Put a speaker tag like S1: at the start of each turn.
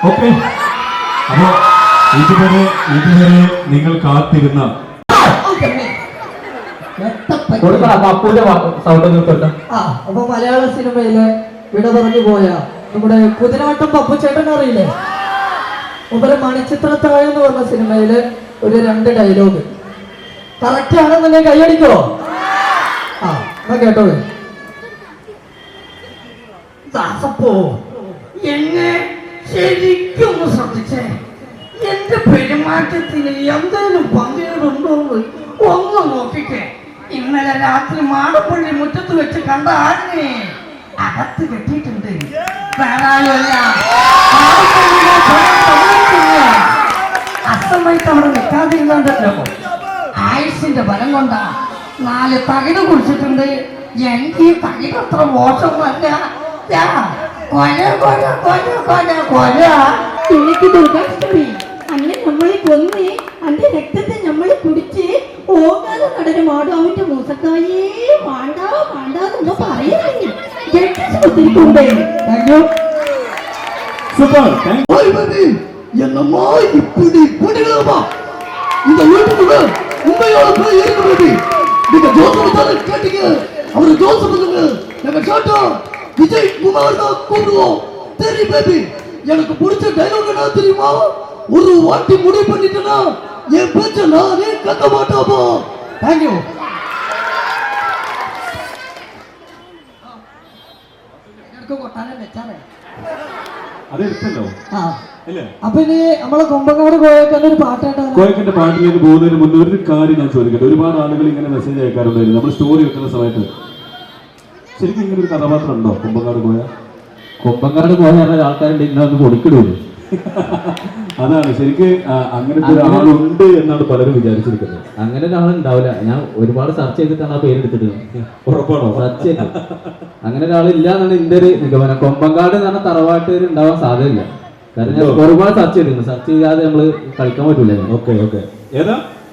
S1: Okay. അപ്പോ ഇതുവരെ നിങ്ങൾ കാത്തിരുന്ന
S2: അപ്പൊ മലയാള സിനിമയിലെ വിട പറഞ്ഞു പോയ നമ്മുടെ കുതിരാട്ടം പപ്പുചേട്ടൻ അറിയില്ലേ? മുമ്പ് മണിച്ചിത്രത്താഴ് എന്ന് പറഞ്ഞ സിനിമയില് ഒരു 2 ഡയലോഗ് കറക്റ്റ് ആണെന്നുണ്ടെങ്കിൽ കൈയടിക്കോ? ആ എന്നാ കേട്ടോളൂ.
S3: ദാസപ്പോ എന്നെ ശരിക്കൊന്ന് ശ്രദ്ധിച്ചേ. എന്റെ പെരുമാറ്റത്തിന് എന്തെങ്കിലും പങ്കുകളുണ്ടോ എന്ന് ഒന്ന് നോക്കിക്കേ. ഇന്നലെ രാത്രി മാടപ്പള്ളി മുറ്റത്ത് വെച്ച് കണ്ട ആടിനെ അകത്ത് കെട്ടിയിട്ടുണ്ട്. വേറെ ആരുമല്ല, അസ്തമയത്ത് അവിടെ നിൽക്കാതിരുന്നല്ലോ. ആയുസിന്റെ ബലം കൊണ്ടാ 4 തകിട് കുടിച്ചിട്ടുണ്ട്. എനിക്ക് ഈ തകിട് അത്ര മോശമല്ല. കൊല കൊല കൊല കൊല കൊല.
S4: എനിക്ക് ദുർഗാഷ്ടമി അന്നെ നമ്മളെ കൊന്ന് അന്റെ രക്തത്തെ നമ്മളെ കുടിച്ച് ഓകാതെ നടന് മാടാവിന്റെ മൂസക്കായേ വേണ്ട വേണ്ടെന്നൊന്നും പറയുന്നില്ല.
S3: என்னம்மா இப்படி பண்ணிடலாமா? இந்த வீட்டுக்குள்ள உண்மையோட போய் இருக்கிறது. நீங்க ஜோசப் கேட்டீங்க, அவரு ஜோசப் நாங்க கேட்டோம். விஜய் குமார் தான் கூப்பிடுவோம். சரி பேபி, எனக்கு பிடிச்ச டைலாக் என்ன தெரியுமா? ஒரு வாட்டி முடிவு பண்ணிட்டேன்னா என் பேச்ச நானே கேட்க மாட்டாமா. தேங்க்யூ. കൊട്ടാനെ വെച്ചാലേ
S1: അതെടുത്തല്ലോ.
S2: അപ്പൊ ഇനി നമ്മളെ കൊമ്പങ്ങാട് കോയക്കന്റെ ഒരു പാട്ടാണ്.
S1: കോയക്കന്റെ പാട്ടിലേക്ക് പോകുന്നതിന് മുന്നേ ഒരു കാര്യം ഞാൻ ചോദിക്കട്ടെ. ഒരുപാട് ആളുകൾ ഇങ്ങനെ മെസ്സേജ് അയക്കാറുണ്ടായിരുന്നു നമ്മൾ സ്റ്റോറി വെക്കുന്ന സമയത്ത്. ശരിക്കും ഇങ്ങനെ ഒരു കഥാപാത്രം ഉണ്ടോ കൊമ്പങ്ങാട് കോയ?
S5: കൊമ്പങ്ങാട് കോയ ആൾക്കാരുണ്ട് ഇങ്ങനെ കൊടുക്കിടുള്ളൂ.
S1: അതാണ് ശരിക്ക് അങ്ങനത്തെ ഒരാളുണ്ട് എന്നാണ് പലരും വിചാരിച്ചിരിക്കുന്നത്.
S5: അങ്ങനെ ഒരാളുണ്ടാവില്ല. ഞാൻ ഒരുപാട് സെർച്ച് ചെയ്തിട്ടാണ് ആ പേരെടുത്തിട്ട്.
S1: ഉറപ്പാണോ?
S5: സെർച്ച് ചെയ്തു. അങ്ങനെ ഒരാളില്ല എന്നാണ് എന്റെ ഒരു നിഗമനം. കൊമ്പങ്കാട് എന്ന് പറഞ്ഞ തറവാട്ടുകാർ ഉണ്ടാവാൻ സാധ്യതയില്ല. കാരണം ഞാൻ ഒരുപാട് സെർച്ച് ചെയ്തിരുന്നു. സെർച്ച് ചെയ്യാതെ നമ്മള് കളിക്കാൻ പറ്റൂല.
S1: ഓക്കെ. ഏതാ